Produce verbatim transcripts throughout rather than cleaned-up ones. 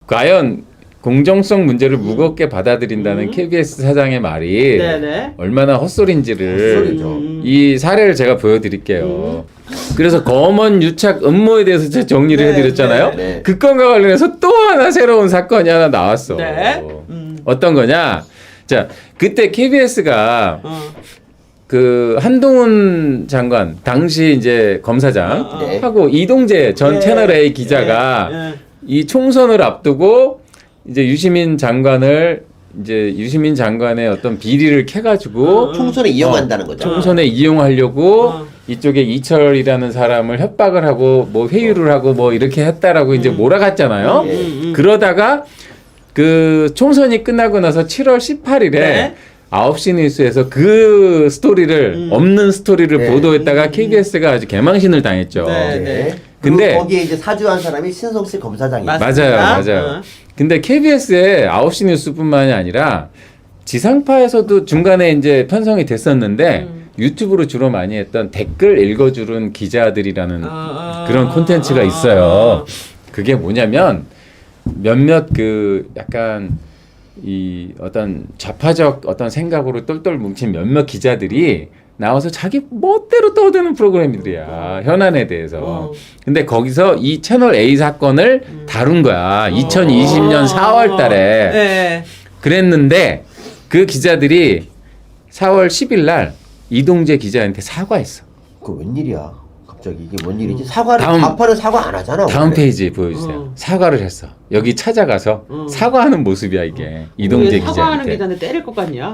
과연 공정성 문제를 무겁게 받아들인다는 음. 케이비에스 사장의 말이 네네. 얼마나 헛소리인지를 헛소리죠. 이 사례를 제가 보여드릴게요. 음. 그래서 검언 유착 음모에 대해서 제가 정리를 네, 해드렸잖아요. 네, 네. 그 건과 관련해서 또 하나 새로운 사건이 하나 나왔어. 네. 음. 어떤 거냐? 자, 그때 케이비에스가 어. 그 한동훈 장관 당시 이제 검사장 어, 어. 네. 하고 이동재 전 네. 채널 A 기자가 네. 네. 이 총선을 앞두고 이제 유시민 장관을 이제 유시민 장관의 어떤 비리를 캐가지고 어, 총선에 이용한다는 어, 거죠. 총선에 이용하려고 어. 이쪽에 이철이라는 사람을 협박을 하고 뭐 회유를 하고 뭐 이렇게 했다라고 음. 이제 몰아갔잖아요. 음, 음, 음. 그러다가 그 총선이 끝나고 나서 칠월 십팔일에 네? 아홉 시 뉴스에서 그 스토리를 음. 없는 스토리를 네. 보도했다가 음. 케이비에스가 아주 개망신을 당했죠. 네, 네. 근데 거기에 이제 사주한 사람이 신성실 검사장이에요. 맞아요, 맞아요. 어. 근데 케이비에스의 아홉 시 뉴스뿐만이 아니라 지상파에서도 중간에 이제 편성이 됐었는데 음. 유튜브로 주로 많이 했던 댓글 읽어주는 기자들이라는 아, 그런 콘텐츠가 있어요. 그게 뭐냐면 몇몇 그 약간 이 어떤 좌파적 어떤 생각으로 똘똘 뭉친 몇몇 기자들이 나와서 자기 멋대로 떠드는 프로그램들이야. 현안에 대해서. 어. 근데 거기서 이 채널 A 사건을 음. 다룬 거야. 어. 이천이십 년 사월 달에. 네. 그랬는데 그 기자들이 사월 십일 날 이동재 기자한테 사과했어. 그 웬일이야. 갑자기 이게 뭔 일이지? 사과를 좌파는 사과 안 하잖아. 다음 원래. 페이지 보여주세요. 어. 사과를 했어. 여기 찾아가서 어. 사과하는 모습이야 이게. 이동재 기자한테. 사과하는 기자한테 때릴 것 같냐?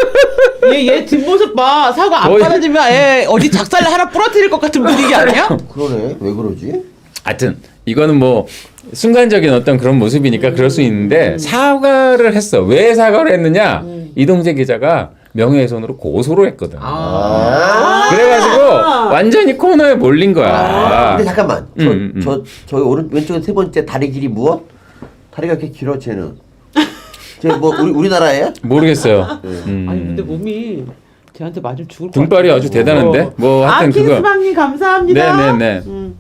얘, 얘 뒷모습 봐. 사과 안 받아주면 애 어디 작살 하나 부러뜨릴 것 같은 분위기 아니야? 그러네. 왜 그러지? 하여튼 이거는 뭐 순간적인 어떤 그런 모습이니까 음. 그럴 수 있는데 사과를 했어. 왜 사과를 했느냐? 음. 이동재 기자가 명예훼손으로 고소를 했거든. 아~ 그래가지고 완전히 코너에 몰린 거야. 아~ 근데 잠깐만. 저, 음, 음. 저, 저희 오른 왼쪽에 세 번째 다리 길이 무엇? 다리가 이렇게 길어 쟤는. 쟤 뭐 우리 우리나라예요? 모르겠어요. 네. 음. 아니 근데 몸이 쟤한테 맞으면 죽을 것 등발이 아주 대단한데. 어. 뭐 하여튼 아, 그거. 킹스방님 감사합니다. 네네네. 음.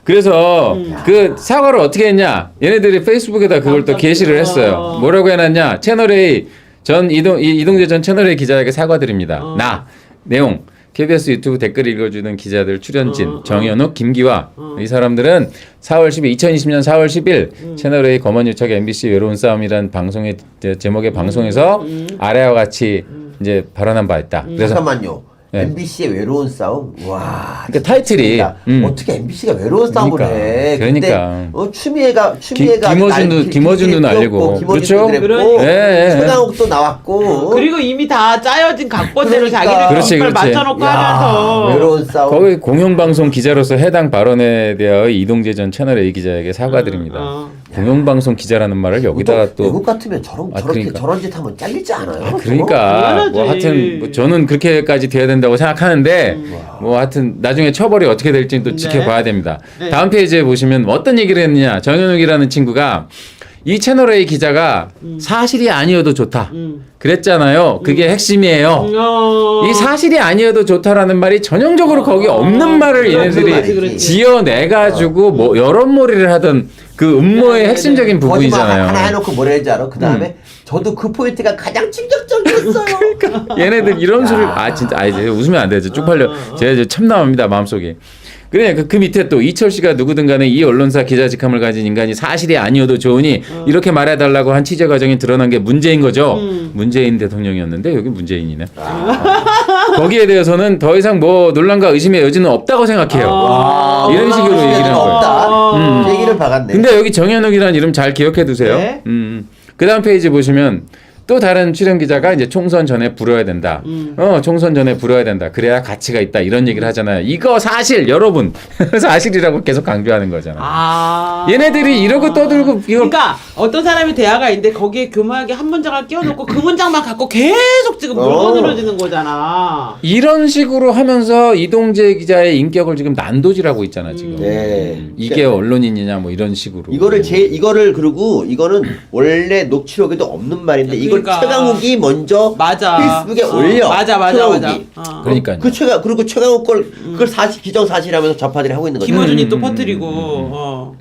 그래서 음. 그 사과를 어떻게 했냐? 얘네들이 페이스북에다 그걸 또 게시를 했어요. 뭐라고 해놨냐? 채널 A 전 이동 이동재 전 채널 A 기자에게 사과드립니다. 어. 나 내용 케이비에스 유튜브 댓글 읽어주는 기자들 출연진 어, 정현욱, 어. 김기화 어. 이 사람들은 사월 십일 이천이십 년 사월 십일 음. 채널 A 검언유착 엠비씨 외로운 싸움이란 방송의 제목의 방송에서 음. 아래와 같이 음. 이제 발언한 바 있다. 음. 그래서 잠깐만요. 네. 엠비씨의 외로운 싸움. 와. 그러니까 타이틀이 음. 어떻게 엠비씨가 외로운 싸움을 그러니까, 해? 그러니까. 어, 추미애가 추미애가 김어준도 김어준도 알고 그렇죠. 그러니까. 네, 최강욱도 나왔고. 그리고 이미 다 짜여진 각본대로 그러니까. 자기를 그렇지, 그렇지. 맞춰놓고 야, 하면서 외로운 싸움. 거기 공영방송 기자로서 해당 발언에 대하여 이동재 전 채널 A 기자에게 사과드립니다. 음, 어. 공영방송 기자라는 말을 여기다가 또 외국 같으면 저런 아, 저렇게 그러니까. 저런 짓 하면 잘리지 않아요? 아, 그러니까 뭐 하여튼 뭐 저는 그렇게까지 돼야 된다고 생각하는데 음. 뭐 하여튼 나중에 처벌이 어떻게 될지는 또 네. 지켜봐야 됩니다. 네. 다음 페이지에 보시면 어떤 얘기를 했느냐. 정현욱이라는 친구가 이 채널 A 기자가 음. 사실이 아니어도 좋다. 음. 그랬잖아요. 그게 음. 핵심이에요. 어. 이 사실이 아니어도 좋다라는 말이 전형적으로 어. 거기 없는 말을 얘네들이 지어내가지고 어. 뭐 여론몰이를 하던 그 음모의 네, 핵심적인 네. 부분이잖아요. 하나 해놓고 뭐라 했지 알아? 그 다음에 음. 저도 그 포인트가 가장 충격적이었어요. 그러니까 얘네들 이런 소리 아 진짜 아 이제 웃으면 안 되죠. 쭉 팔려. 제가 이제 참나옵니다 마음속에. 그래 그, 그 밑에 또 이철 씨가 누구든 간에 이 언론사 기자 직함을 가진 인간이 사실이 아니어도 좋으니 어. 이렇게 말해달라고 한 취재 과정이 드러난 게 문제인 거죠. 음. 문재인 대통령이었는데 여기 문재인이네. 아. 거기에 대해서는 더 이상 뭐 논란과 의심의 여지는 없다고 생각해요. 아. 이런 식으로 얘기를 한 거예요. 없다. 음. 얘기를 박았네. 근데 여기 정현욱이라는 이름 잘 기억해 두세요. 네? 음. 그 다음 페이지 보시면 또 다른 출연 기자가 이제 총선 전에 불어야 된다. 음. 어, 총선 전에 불어야 된다. 그래야 가치가 있다. 이런 얘기를 하잖아요. 이거 사실 여러분 사실이라고 계속 강조하는 거잖아요. 아~ 얘네들이 이러고 떠들고 이거 그러니까 어떤 사람이 대화가 있는데 거기에 교묘하게 한 문장을 끼워놓고 그 문장만 갖고 계속 지금 물고 늘어지는 거잖아. 이런 식으로 하면서 이동재 기자의 인격을 지금 난도질하고 있잖아 지금. 네. 음. 이게 언론인이냐 뭐 이런 식으로. 이거를 제 이거를 그리고 이거는 원래 녹취록에도 없는 말인데 이걸 그러니까. 최강욱이 먼저 맞아. 페이스북에 어. 올려. 맞아 맞아 최강욱이. 맞아. 어. 그러니까 그 최강 그리고 최강욱 걸 그걸 사실 기정 사실하면서 좌파들이 하고 있는 거죠. 김어준이 음, 또 음, 퍼뜨리고. 음, 음, 음. 어.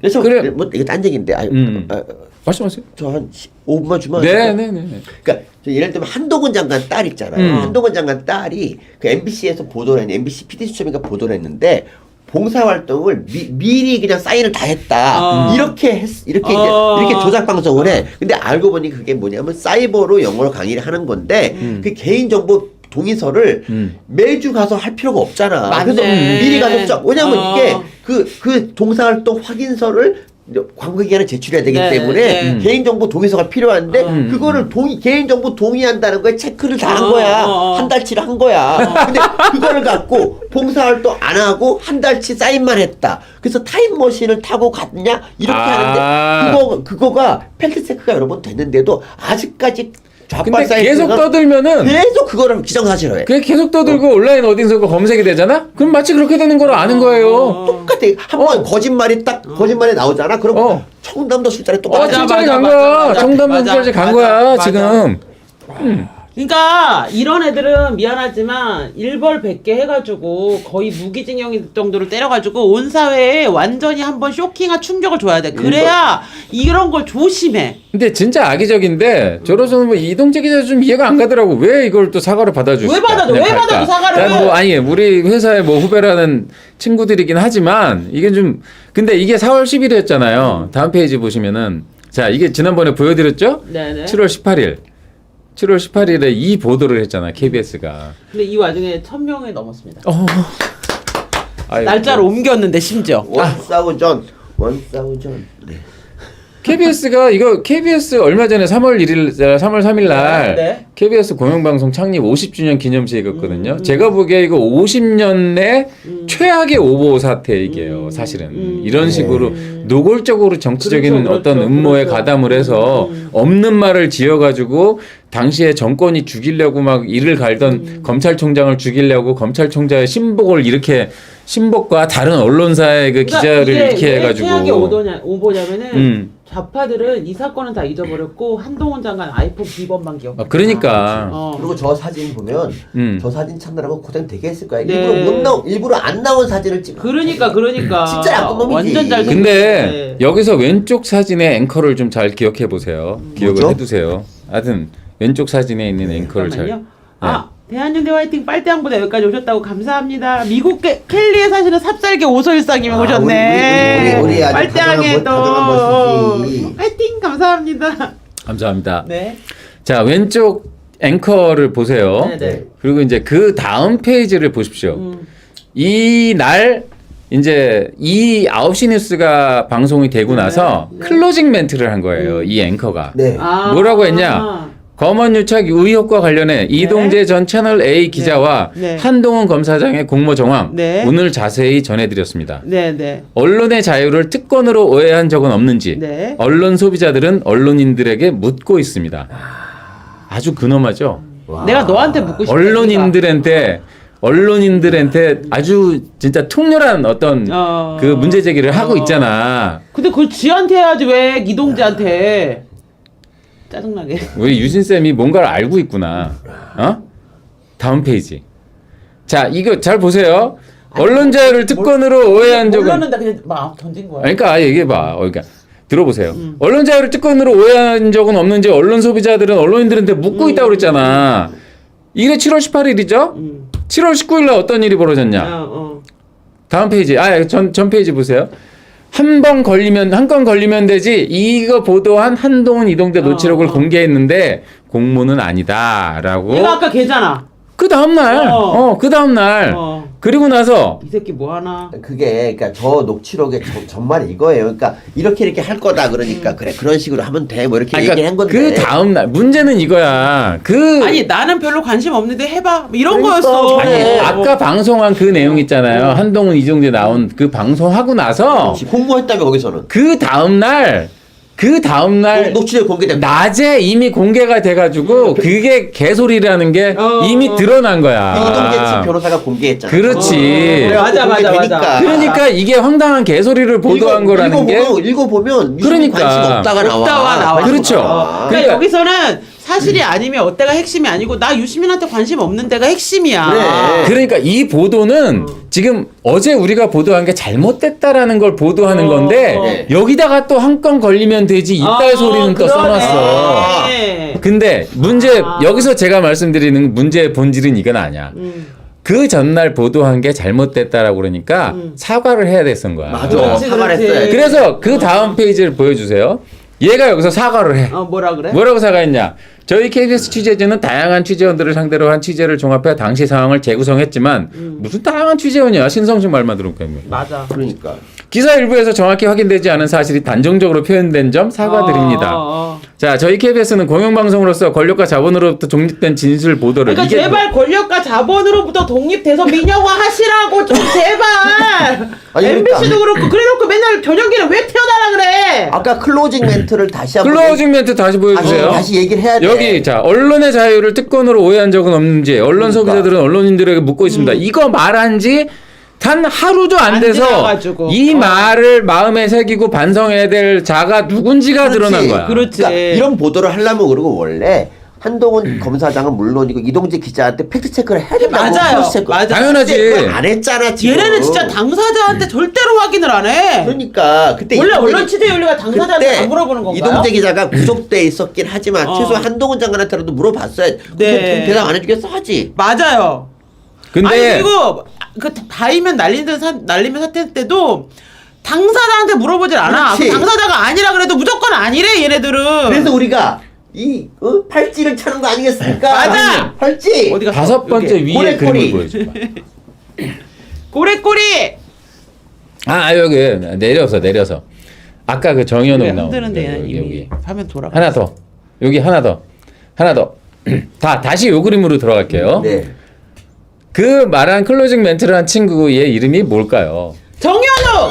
그래서 그래. 뭐 이게 딴 얘기인데. 아, 음. 아, 말씀하세요. 저한 오 분만 주면. 네, 네, 네. 그러니까 저 예를 들면 한동훈 장관 딸 있잖아요. 음. 한동훈 장관 딸이 그 엠비씨에서 보도를 했는데 엠비씨 피디 수첩인가 보도를 했는데 봉사활동을 미, 미리 그냥 사인을 다 했다. 어. 이렇게 했, 이렇게 어. 이제 이렇게 조작 방송을 해. 근데 알고 보니 그게 뭐냐면 사이버로 영어로 강의를 하는 건데 음. 그 개인정보 동의서를 음. 매주 가서 할 필요가 없잖아. 맞네. 그래서 미리 가서 쫙. 왜냐면 어. 이게 그, 그 동사활동 확인서를 광고 기간에 제출해야 되기 네, 때문에 네. 음. 개인정보 동의서가 필요한데 음. 그거를 동의 개인정보 동의한다는 거에 체크를 다 한 어, 거야. 어, 어. 한 달치를 한 거야. 근데 그거를 갖고 봉사활동 안 하고 한 달치 사인만 했다. 그래서 타임머신을 타고 갔냐 이렇게 아. 하는데 그거 그거가 팩트 체크가 여러 번 됐는데도 아직까지 좌빨 근데 계속 사이트가 떠들면은 계속 그거를 기정사실화해. 그게 계속 떠들고 온라인 어딘가 검색이 되잖아? 그럼 마치 그렇게 되는 걸 아는 거예요. 똑같아. 한 번 거짓말이 딱 거짓말이 나오잖아. 그럼 어. 청담도 술자리 어, 똑같아. 맞아, 진짜리 맞아, 간 맞아, 거야. 맞아. 청담동까지 맞아, 간 맞아, 거야, 맞아. 지금. 그러니까 이런 애들은 미안하지만 일벌 백 개 해가지고 거의 무기징역 정도로 때려가지고 온 사회에 완전히 한번 쇼킹한 충격을 줘야 돼. 그래야 이런 걸 조심해. 근데 진짜 악의적인데 저로서는 뭐 이동재 기자 좀 이해가 안 가더라고. 왜 이걸 또 사과를 받아주실까? 왜 받아줘? 그냥 왜 갈까? 받아줘, 사과를? 난 뭐 아니 우리 회사의 뭐 후배라는 친구들이긴 하지만 이게 좀 근데 이게 사월 십일이었잖아요. 다음 페이지 보시면은 자 이게 지난번에 보여드렸죠? 네네. 칠월 십팔일. 칠월 십팔일에 이 보도를 했잖아 케이비에스가. 근데 이 와중에 천 명이 넘었습니다. 어. 아이고. 날짜를 옮겼는데 심지어. 원사우전 원사우전. 네. 케이비에스가 이거 케이비에스 얼마 전에 삼월 일일, 삼월 삼일 날 네, 네. 케이비에스 공영방송 창립 오십 주년 기념식이었거든요. 음, 음. 제가 보기에 이거 오십 년의 음. 최악의 오보 사태이게요. 음, 사실은 음. 이런 네. 식으로 노골적으로 정치적인 그렇죠, 그렇죠, 어떤 음모에 그렇죠. 가담을 해서 음. 없는 말을 지어가지고 당시에 정권이 죽이려고 막 이를 갈던 음. 검찰총장을 죽이려고 검찰총장의 신복을 이렇게 신복과 다른 언론사의 그 그러니까 기자를 이게 이렇게 왜 해가지고 최악의 오도냐, 오보냐면은 음. 좌파들은 이 사건은 다 잊어버렸고 한동훈 장관 아이폰 비번만 기억. 아, 그러니까 어. 그리고 저 사진 보면 음. 저 사진 찾느라고 고생 되게 했을 거야. 네. 일부러 못 나오 일부러 안 나온 사진을 찍어. 그러니까 그러니까 진짜 나쁜 놈이지. 완전 잘 근데 여기서 왼쪽 사진의 앵커를 좀 잘 기억해 보세요. 기억을 뭐죠? 해두세요. 하여튼 왼쪽 사진에 있는 앵커를 잘. 잠깐만요. 아 대한연대 화이팅 빨대왕보다 여기까지 오셨다고 감사합니다. 미국 게, 켈리에 사시는 삽살개 오소일상님이 아, 오셨네. 우리, 우리, 우리, 우리 아주 빨대왕에 또 다정한 모습이. 화이팅 감사합니다. 감사합니다. 네. 자 왼쪽 앵커를 보세요. 네네. 그리고 이제 그 다음 페이지를 보십시오. 음. 이 날 이제 이 아홉 시 뉴스가 방송이 되고 네, 나서 네. 클로징 멘트를 한 거예요. 이 앵커가. 네. 아. 뭐라고 했냐? 검언 유착 의혹과 관련해 이동재 전 채널 A 기자와 네. 네. 한동훈 검사장의 공모 정황 네. 오늘 자세히 전해드렸습니다. 네네. 언론의 자유를 특권으로 오해한 적은 없는지 네. 언론 소비자들은 언론인들에게 묻고 있습니다. 아주 근엄하죠. 와. 내가 너한테 묻고 싶다. 언론인들한테 언론인들한테 아주 진짜 통렬한 어떤 어. 그 문제 제기를 하고 어. 있잖아. 근데 그걸 지한테 해야지 왜 이동재한테. 짜증나게. 우리 유진 쌤이 뭔가를 알고 있구나. 어? 다음 페이지. 자, 이거 잘 보세요. 언론 자유를 특권으로 오해한 적은 몰랐는데 그냥 막 던진 거야. 그러니까 얘기해 봐. 그러니까 들어보세요. 음. 언론 자유를 특권으로 오해한 적은 없는지 언론 소비자들은 언론인들한테 묻고 있다고 그랬잖아. 이게 칠월 십팔일이죠? 음. 칠월 십구일 날 어떤 일이 벌어졌냐? 어, 어. 다음 페이지. 아, 전, 전 페이지 보세요. 한 번 걸리면, 한 건 걸리면 되지. 이거 보도한 한동훈 이동재 노치록을 어, 어. 공개했는데 공모는 아니다. 라고. 얘가 아까 걔잖아. 그 다음날. 어. 어, 그 다음날. 어. 그리고 나서. 이 새끼 뭐 하나. 그게 그러니까 저 녹취록의 저- 전말 이거예요. 그러니까 이렇게 이렇게 할 거다 그러니까 그래 그런 식으로 하면 돼 뭐 이렇게 아니, 얘기를 한 건데. 그 다음날. 문제는 이거야. 그. 아니 나는 별로 관심 없는데 해봐. 뭐 이런 그러니까, 거였어. 아니, 그래. 아까 방송한 그 내용 있잖아요. 한동훈 이동재 나온 그 방송하고 나서. 그렇지, 공모했다며 거기서는. 그 다음날. 그 다음날. 녹- 녹취록 공개된. 낮에 이미 공개가 돼가지고 그게 개소리라는 게 어, 이미 어. 드러난 거야. 이동재 측 변호사가 공개했잖아. 그렇지. 그래갖고 맞아, 맞아, 공개되니까. 맞아. 그러니까 이게 황당한 개소리를 보도한 읽어- 거라는 게 읽어보면, 읽어보면 그러니까. 관심 없다가 나와. 없다가 나와. 그렇죠. 아. 그러니까, 그러니까- 여기서는 사실이 아니면 어때가 핵심이 아니고 나 유시민한테 관심 없는 데가 핵심이야. 그래. 그러니까 이 보도는 어. 지금 어제 우리가 보도한 게 잘못됐다라는 걸 보도하는 어. 건데 네. 여기다가 또 한 건 걸리면 되지 이딸 어, 소리는 또 그러네. 써놨어. 네. 근데 문제 아. 여기서 제가 말씀드리는 문제의 본질은 이건 아니야. 음. 그 전날 보도한 게 잘못됐다라고 그러니까 음. 사과를 해야 됐던 거야. 맞아. 그렇지, 사과를 그렇지. 했어야지. 그래서 그 다음 페이지를 보여주세요. 얘가 여기서 사과를 해. 어 뭐라 그래? 뭐라고 사과했냐? 저희 케이비에스 취재진은 다양한 취재원들을 상대로 한 취재를 종합해 당시 상황을 재구성했지만 음. 무슨 다양한 취재원이야? 신성식 말만 들어보니까. 맞아. 그러니까. 기사 일부에서 정확히 확인되지 않은 사실이 단정적으로 표현된 점 사과드립니다. 어, 어, 어. 자, 저희 케이비에스는 공영방송으로서 권력과 자본으로부터 독립된 진실 보도를 그러니까 이게 제발 권력과 자본으로부터 독립돼서 민영화 하시라고 좀 제발. 아니, 엠비씨도 그러니까. 그렇고 그래놓고 맨날 저녁에는 왜 태어나라 그래? 아까 클로징 멘트를 다시 한번 클로징 멘트 다시 보여주세요. 다시, 다시 얘기를 해야 돼. 여기 자 언론의 자유를 특권으로 오해한 적은 없는지 언론 그러니까. 소비자들은 언론인들에게 묻고 있습니다. 음. 이거 말한 지 단 하루도 안 안 돼서 지나가지고. 이 어. 말을 마음에 새기고 반성해야 될 자가 누군지가 그렇지. 드러난 거야. 그렇지. 그러니까 이런 보도를 하려면 그리고 원래 음. 한동훈 검사장은 물론이고 이동재 기자한테 팩트 체크를 해야 된다고. 맞아요. 크로스 체크. 맞아. 당연하지. 근데 그걸 안 했잖아 지금. 얘네는 진짜 당사자한테 절대로 확인을 안 해. 그러니까 그때 원래 이동재 언론 기- 취재 윤리가 당사자한테 그때 안 물어보는 건가요? 이동재 기자가 구속돼 있었긴 하지만 어. 최소 한동훈 장관한테라도 물어봤어야. 네. 대답 안 해주겠어 하지. 맞아요. 근데 아니 그리고 그 바이면 날리는 사, 날리면 사태 때도 당사자한테 물어보질 않아. 그렇지. 그 당사자가 아니라 그래도 무조건 아니래 얘네들은. 그래서 우리가 이 어? 팔찌를 차는 거 아니겠습니까? 맞아. 팔찌. 어디 갔어? 다섯 번째 여기. 위에 꼬리꼬리. 그림을 보여줘. 꼬리꼬리. 아 여기 내려서 내려서 아까 그 정현욱 나온 흔드는데 여기, 이미 여기. 화면 돌아. 하나 더 여기 하나 더 하나 더 다 다시 요 그림으로 들어갈게요. 네. 그 말한 클로징 멘트를 한 친구의 이름이 뭘까요? 정현욱.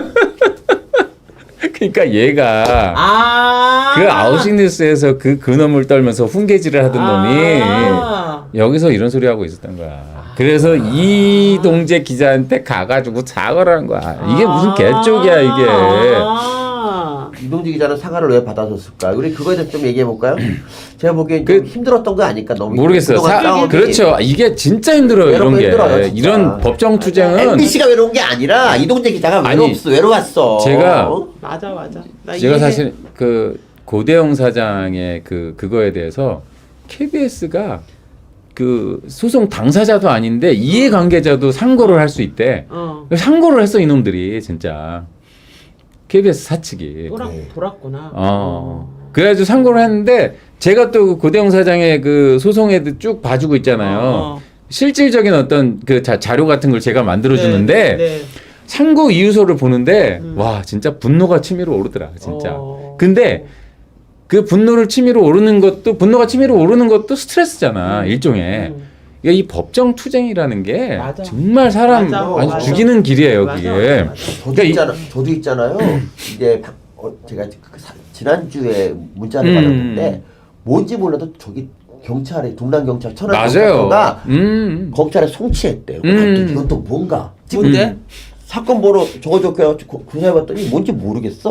그러니까 얘가 아. 그 아웃식 뉴스에서 그 근엄을 떨면서 훈계질을 하던 놈이 아. 여기서 이런 소리 하고 있었던 거야. 그래서 이동재 기자한테 가가지고 사과를 한 거야. 이게 무슨 개쪽이야 이게. 아. 이동재 기자는 사과를 왜 받아줬을까? 우리 그거에 대해서 좀 얘기해 볼까요? 제가 보기엔 그- 좀 힘들었던 거 아닐까? 너무 모르겠어요. 그동안 사, 싸움이. 그렇죠. 이게 진짜 힘들어요. 이런 외롭고 게. 힘들어요, 진짜. 이런 법정 투쟁은 엠비씨가 외로운 게 아니라 이동재 기자가 아니, 외롭어 외로웠어. 제가 어? 맞아 맞아. 나 제가 이해해. 사실 그 고대영 사장의 그 그거에 대해서 케이비에스가 그 소송 당사자도 아닌데 이해관계자도 상고를 할 수 있대. 어. 상고를 했어 이놈들이 진짜 케이비에스 사측이. 돌았 네. 돌았구나. 어. 그래가지고 상고를 했는데 제가 또 그 고대영 사장의 그 소송에도 쭉 봐주고 있잖아요. 어. 실질적인 어떤 그 자, 자료 같은 걸 제가 만들어 주는데 네, 네. 상고 이유서를 보는데 음. 와 진짜 분노가 치밀어 오르더라 진짜. 어. 근데 그 분노를 치밀어 오르는 것도 분노가 치밀어 오르는 것도 스트레스잖아 음. 일종의. 음. 그러니까 이 법정 투쟁이라는 게 맞아. 정말 사람 맞아. 아주 맞아. 죽이는 길이에요 맞아, 그게. 맞아, 맞아. 저도 그러니까 이- 있잖아. 저도 있잖아요. 이제 박- 어, 제가 그 사- 지난주에 문자를 음. 받았는데 뭔지 몰라도 저기 경찰에 동남 경찰 천안 맞아요. 경찰서가 음. 검찰에 송치했대요. 음. 이건 또 뭔가? 지금 뭔데? 사건 번호 적어줬고 조사해봤더니 뭔지 모르겠어.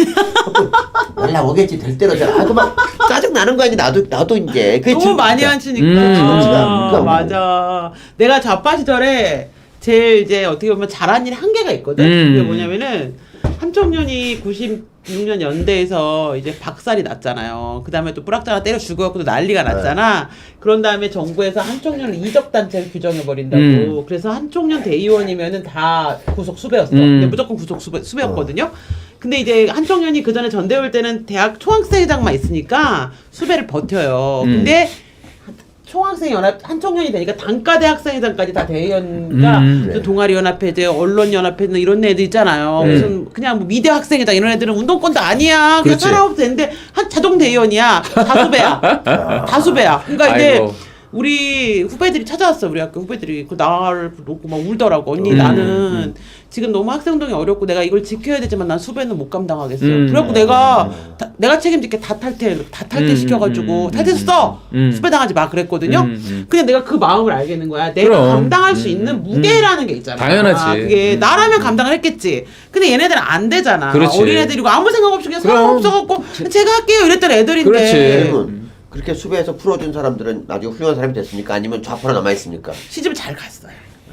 연락 오겠지 될 대로 잘. 아그 막 짜증 나는 거 아니 나도 나도 이제 그게 너무 지금 많이 진짜. 하시니까. 음. 아, 그러니까 맞아. 내가 좌파 시절에 제일 이제 어떻게 보면 잘한 일이 한계가 있거든. 음. 그게 뭐냐면은 한청년이 구십육 년 연대에서 이제 박살이 났잖아요. 그 다음에 또 뿌락자가 때려 죽어갖고 또 난리가 났잖아. 그런 다음에 정부에서 한청년을 이적단체로 규정해버린다고. 음. 그래서 한청년 대의원이면은 다 구속 수배였어. 음. 근데 무조건 구속 수배, 수배였거든요. 근데 이제 한청년이 그 전에 전대회 때는 대학 총학생회장만 있으니까 수배를 버텨요. 음. 근데 총학생 연합 한청년이 되니까 단과대 학생회장까지 다 대의원과 음, 네. 동아리 연합회, 이제 언론 연합회 이런 애들 있잖아요. 네. 무슨 그냥 뭐 미대 학생회장 이런 애들은 운동권도 아니야. 그냥 그렇지. 살아도 되는데 한 자동 대의원이야. 다수배야. 다수배야. 그러니까 이제 아이고. 우리 후배들이 찾아왔어. 우리 학교 후배들이 그 나를 놓고 막 울더라고. 언니 음, 나는 음. 지금 너무 학생동이 어렵고 내가 이걸 지켜야 되지만 난 수배는 못 감당하겠어. 음. 그래갖고 내가 다, 내가 책임질게 다 탈퇴 다 탈퇴 음, 시켜가지고 음, 탈퇴했어. 음. 수배 당하지 마 그랬거든요. 음, 음. 그냥 내가 그 마음을 알겠는 거야. 내가 그럼. 감당할 수 음, 있는 음, 무게라는 게 있잖아. 당연하지. 그게 음. 나라면 감당을 했겠지. 근데 얘네들은 안 되잖아. 그렇지. 어린애들이고 아무 생각 없이 그냥 그럼. 사람 없어갖고 제가 할게요 이랬던 애들인데. 그렇지. 그러면 그렇게 수배해서 풀어준 사람들은 나중에 훌륭한 사람이 됐습니까? 아니면 좌파로 남아있습니까? 시집 잘 갔어요.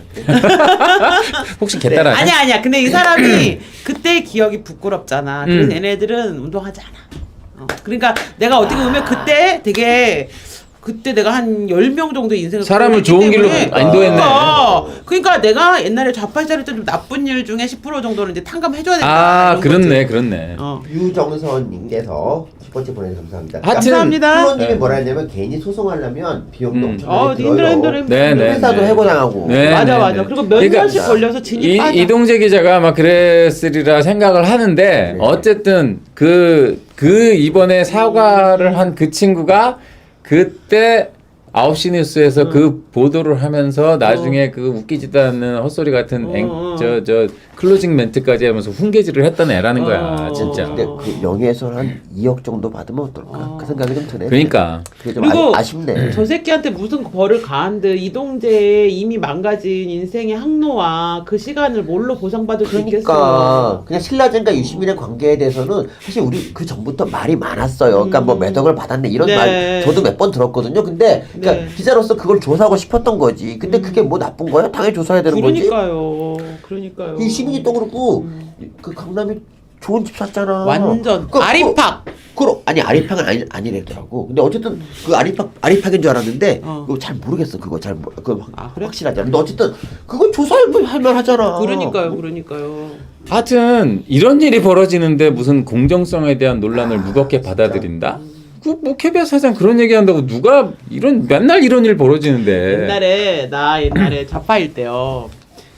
혹시 개따라 하냐? 아니야 아니야. 근데 이 사람이 그때의 기억이 부끄럽잖아. 그래서 음. 얘네들은 운동하지 않아. 어. 그러니까 내가 어떻게 보면 그때 되게 그때 내가 한 열 명 정도 인생을 사람을 끌어냈기 좋은 길로 때문에 인도했네. 그러니까, 그러니까 내가 옛날에 좌파 시절에 좀 나쁜 일 중에 십 퍼센트 정도는 이제 탕감해줘야 된다. 아, 이런 그렇네, 거지. 그렇네. 어. 유정선님께서 첫 번째 보내주셔서 감사합니다. 하여튼 감사합니다. 프로님이 네. 뭐라 했냐면 괜히 소송하려면 비용도 음. 엄청나게 어, 들어요. 힘들어 힘들어 힘들어. 네, 네. 회사도 네. 해고당하고. 네, 맞아 네, 맞아. 네. 그리고 몇 그러니까 년씩 걸려서 진입 이, 빠져. 이동재 기자가 아마 그랬으리라 생각을 하는데 네. 어쨌든 그, 그 이번에 사과를 한 그 친구가 그때 아홉 시 뉴스에서 음. 그 보도를 하면서 나중에 그 웃기지도 않는 헛소리 같은 앵, 어. 저, 저 클로징 멘트까지 하면서 훈계질을 했던 애라는 거야 어. 진짜. 근데 그 명예훼손 한 이억 정도 받으면 어떨까? 어. 그 생각이 좀 드네. 그러니까 그게 좀 그리고 아, 아쉽네. 저 새끼한테 무슨 벌을 가한들 이동재의 이미 망가진 인생의 항로와 그 시간을 뭘로 보상받을 수 그러니까 있겠어요. 그냥 신라젠과 유시민의 관계에 대해서는 사실 우리 그 전부터 말이 많았어요. 그러니까 뭐 음. 매덕을 받았네 이런 네. 말 저도 몇 번 들었거든요. 근데 그러니까 네. 기자로서 그걸 조사하고 싶었던 거지. 근데 그게 뭐 나쁜 거야? 당연히 조사해야 되는 거지. 그러니까요. 그러니까요. 이 시민이 또 그렇고 그 강남이 좋은 집 샀잖아. 완전 그, 아리팍. 그, 그, 아니 아리팍은 아니 아니랬더라고. 근데 어쨌든 그 아리팍 아리팍인 줄 알았는데 어. 그거 잘 모르겠어. 그거 잘 모르. 그 아, 그래? 확실하지 않아. 근데 어쨌든 그거 조사할 만하잖아. 그러니까요. 그러니까요. 하여튼 이런 일이 벌어지는데 무슨 공정성에 대한 논란을 무겁게 받아들인다? 그 뭐 케이비에스 사장 그런 얘기한다고 누가 이런 맨날 이런 일 벌어지는데 옛날에 나 옛날에 좌파일 때요.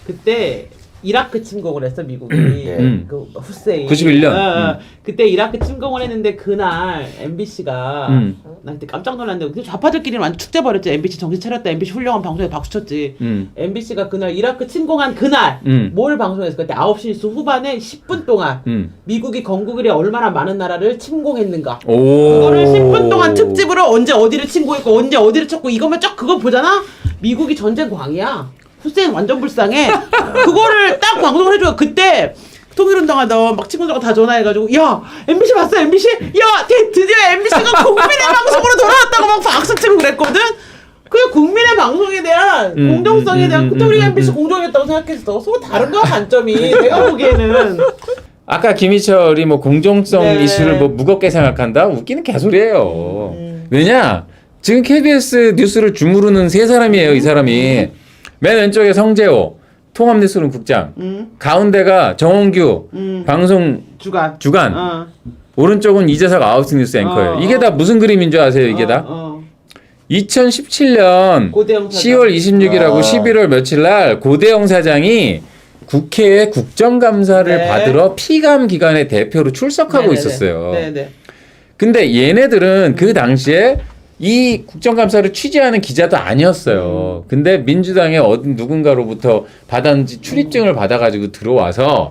그때 이라크 침공을 했어 미국이. 음. 그 후세인. 구십일 년. 어, 어. 음. 그때 이라크 침공을 했는데 그날 엠비씨가 음. 나 그때 깜짝 놀랐는데 그 좌파들끼리는 완전 축제 벌였지. 엠비씨 정신 차렸다. 엠비씨 훌륭한 방송에 박수 쳤지. 음. 엠비씨가 그날 이라크 침공한 그날 음. 뭘 방송했을 그때 아홉 시 뉴스 후반에 십 분 동안 음. 미국이 건국을에 얼마나 많은 나라를 침공했는가. 오. 그거를 십 분 동안 특집으로 언제 어디를 침공했고 언제 어디를 쳤고 이거면 쫙 그거 보잖아. 미국이 전쟁 광이야. 후세인 완전 불쌍해. 그거를 딱 방송을 해줘요. 그때 통일운동하던 막 친구들하고 다 전화해가지고 야 엠비씨 봤어 엠비씨? 야 드- 드디어 엠비씨가 국민의 방송으로 돌아왔다고 막 박수치고 그랬거든. 그 국민의 방송에 대한 음, 공정성에 음, 대한 음, 그때 우리가 음, 엠비씨 음. 공정했다고 생각했어. 서로 다른 거야 관점이. 내가 보기에는. 아까 김희철이 뭐 공정성 네. 이슈를 뭐 무겁게 생각한다? 웃기는 개소리예요. 음. 왜냐? 지금 케이비에스 뉴스를 주무르는 세 사람이에요, 이 사람이. 맨 왼쪽에 성재호, 통합뉴스룸 국장. 음. 가운데가 정홍규, 음. 방송 주간. 주간. 어. 오른쪽은 이재석 아홉시 뉴스 앵커예요. 어, 이게 어. 다 무슨 그림인 줄 아세요, 이게 어, 다? 어. 이천십칠 년 고대영 사장. 시월 이십육일하고 아. 십일월 며칠 날 고대영 사장이 국회에 국정감사를 네. 받으러 피감 기관의 대표로 출석하고 네네네. 있었어요. 네네. 근데 얘네들은 그 당시에 이 국정감사를 취재하는 기자도 아니었어요. 근데 민주당의 어떤 누군가로부터 받았는지 출입증을 받아가지고 들어와서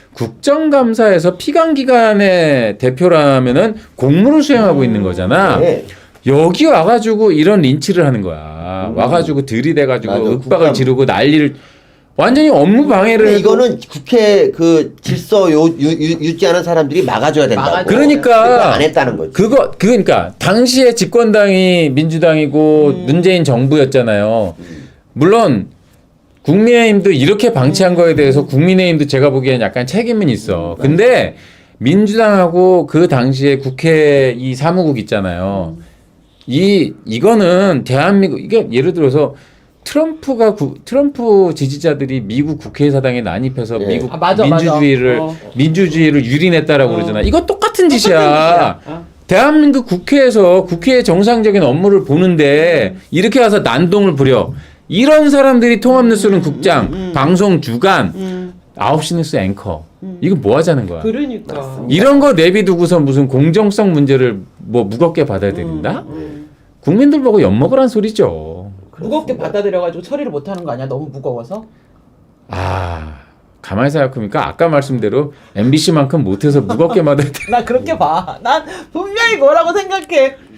국정감사에서 피감기관의 대표라면은 공무를 수행하고 있는 거잖아. 네. 여기 와가지고 이런 린치를 하는 거야. 음. 와가지고 들이대가지고 맞아, 윽박을 국감. 지르고 난리를 완전히 업무 방해를 근데 해도 이거는 국회 그 질서 요, 유, 유, 유지하는 사람들이 막아줘야 된다고. 막아줘야 그러니까 그거 안 했다는 거지. 그거 그러니까 당시에 집권당이 민주당이고 음. 문재인 정부였잖아요. 물론 국민의힘도 이렇게 방치한 거에 대해서 국민의힘도 제가 보기엔 약간 책임은 있어. 근데 민주당하고 그 당시에 국회 이 사무국 있잖아요. 이 이거는 대한민국 이게 예를 들어서 트럼프가 구, 트럼프 지지자들이 미국 국회의사당에 난입해서 예. 미국 아, 맞아, 민주주의를 맞아. 어. 민주주의를 유린했다라고 어. 그러잖아. 이거 똑같은 짓이야. 짓이야. 어. 대한민국 국회에서 국회의 정상적인 업무를 보는데 이렇게 와서 난동을 부려. 이런 사람들이 통합뉴스는 국장, 방송 주간, 음. 아홉시 뉴스 앵커. 이거 뭐 하자는 거야? 그러니까. 이런 거 내비두고서 무슨 공정성 문제를 뭐 무겁게 받아들인다? 음. 국민들 보고 엿먹으란 소리죠. 무겁게 받아들여가지고 처리를 못하는 거 아니야? 너무 무거워서? 아, 가만히 생각해보니까 아까 말씀대로 엠비씨만큼 못해서 무겁게 받아들여. 나 그렇게 봐. 난 분명히 뭐라고 생각해.